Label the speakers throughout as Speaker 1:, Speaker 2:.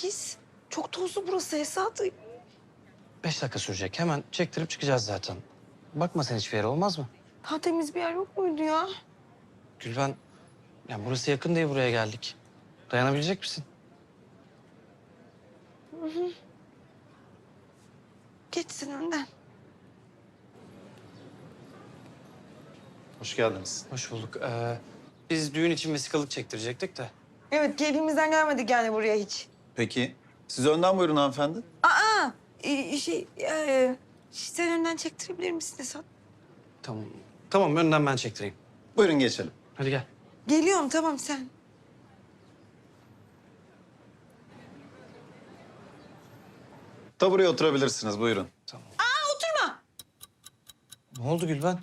Speaker 1: pis. Çok tozlu burası Esat.
Speaker 2: 5 dakika sürecek. Hemen çektirip çıkacağız zaten. Bakma sen hiçbir yere, olmaz mı?
Speaker 1: Daha temiz bir yer yok muydu ya?
Speaker 2: Gülben, yani burası yakın diye buraya geldik. Dayanabilecek misin?
Speaker 1: Geçsin önden.
Speaker 3: Hoş geldiniz.
Speaker 2: Hoş bulduk. Biz düğün için vesikalık çektirecektik de.
Speaker 1: Evet, keyfimizden gelmedik yani buraya hiç.
Speaker 3: Peki, siz önden buyurun hanımefendi.
Speaker 1: Aa, sen önden çektirebilir misin Esat?
Speaker 2: Tamam. Tamam, önden ben çektireyim.
Speaker 3: Buyurun geçelim.
Speaker 2: Hadi gel.
Speaker 1: Geliyorum, tamam sen.
Speaker 3: Tabureye oturabilirsiniz, buyurun.
Speaker 2: Tamam.
Speaker 1: Oturma.
Speaker 2: Ne oldu Gülben?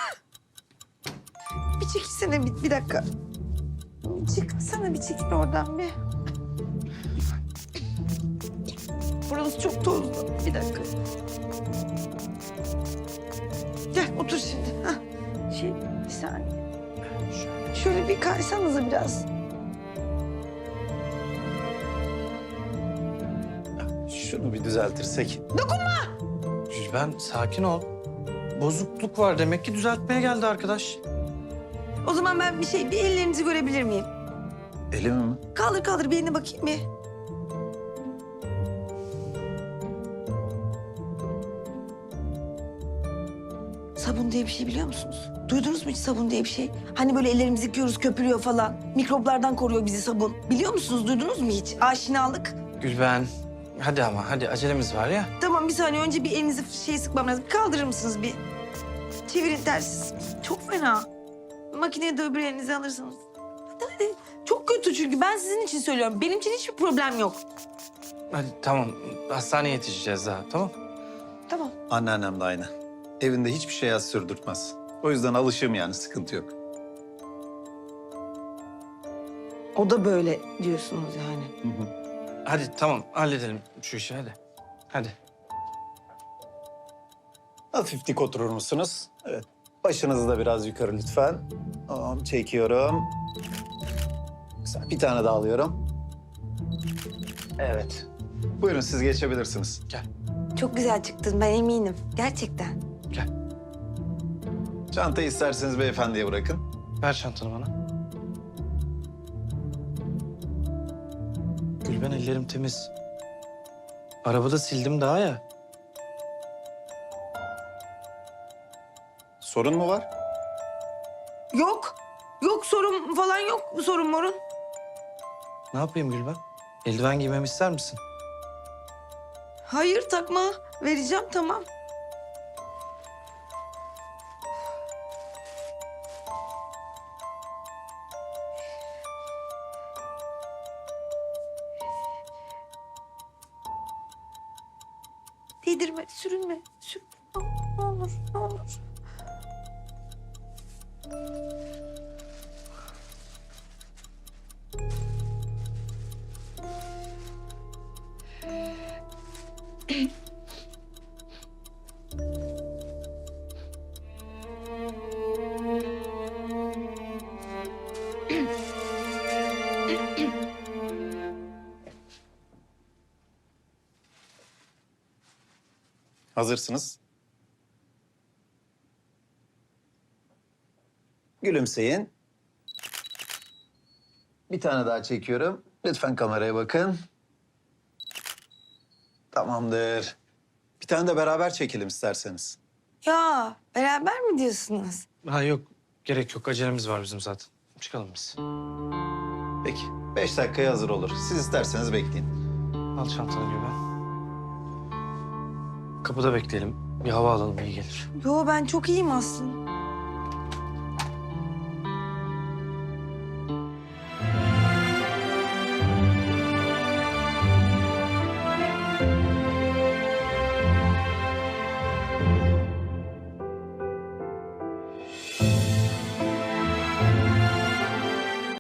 Speaker 1: Bir çekilsene bir dakika. Çıksana bir çekil oradan bir. Burası çok tozlu. Bir dakika. Gel otur şimdi. Hah. Bir saniye. Şöyle bir kaysanıza biraz.
Speaker 3: Şunu bir düzeltirsek.
Speaker 2: Gülben, sakin ol. Bozukluk var demek ki, düzeltmeye geldi arkadaş.
Speaker 1: O zaman ben bir ellerinizi görebilir miyim?
Speaker 3: Elimi mi?
Speaker 1: Kaldır bir eline bakayım bir. Sabun diye bir şey biliyor musunuz? Duydunuz mu hiç sabun diye bir şey? Hani böyle ellerimizi yıkıyoruz, köpürüyor falan. Mikroplardan koruyor bizi sabun. Biliyor musunuz? Duydunuz mu hiç? Aşinalık.
Speaker 2: Gülben, hadi ama hadi, acelemiz var ya.
Speaker 1: Tamam bir saniye önce bir elinizi sıkmam lazım. Kaldırır mısınız bir? Çevirin tersiz. Çok fena. Makineye de öbür elinizi alırsınız. Hadi. Çok kötü çünkü ben sizin için söylüyorum. Benim için hiçbir problem yok.
Speaker 2: Hadi tamam, hastaneye yetişeceğiz daha, tamam.
Speaker 1: Tamam.
Speaker 3: Anneannem de aynı. Evinde hiçbir şey yaz sürdürtmez. O yüzden alışığım yani, sıkıntı yok.
Speaker 1: O da böyle diyorsunuz yani.
Speaker 2: Hadi tamam, halledelim şu işi, hadi. Hadi.
Speaker 3: Hafif dik oturur musunuz? Evet. Başınızı da biraz yukarı lütfen. Tamam, çekiyorum. Güzel, bir tane daha alıyorum. Evet. Buyurun, siz geçebilirsiniz.
Speaker 2: Gel,
Speaker 1: Çok güzel çıktın ben eminim. Gerçekten.
Speaker 2: gel.
Speaker 3: Çantayı isterseniz beyefendiye bırakın.
Speaker 2: Ver çantanı bana. Gülben, ellerim temiz. Arabada sildim daha ya.
Speaker 3: Sorun mu var?
Speaker 1: Yok. Yok sorun falan yok. Sorun morun.
Speaker 2: Ne yapayım Gülben? Eldiven giymemi ister misin?
Speaker 1: Hayır takma. Vereceğim tamam. Değdirme, sürünme. Ne olur, ne olur.
Speaker 3: Hazırsınız. Gülümseyin. Bir tane daha çekiyorum. Lütfen kameraya bakın. Tamamdır. Bir tane de beraber çekelim isterseniz.
Speaker 1: Ya beraber mi diyorsunuz?
Speaker 2: Ha yok, gerek yok. Acelemiz var bizim zaten. Çıkalım biz.
Speaker 3: Peki. 5 dakikaya hazır olur. Siz isterseniz bekleyin.
Speaker 2: Al çantanı Gülben. Kapıda bekleyelim. Bir hava alalım, iyi gelir.
Speaker 1: Yo ben çok iyiyim aslında.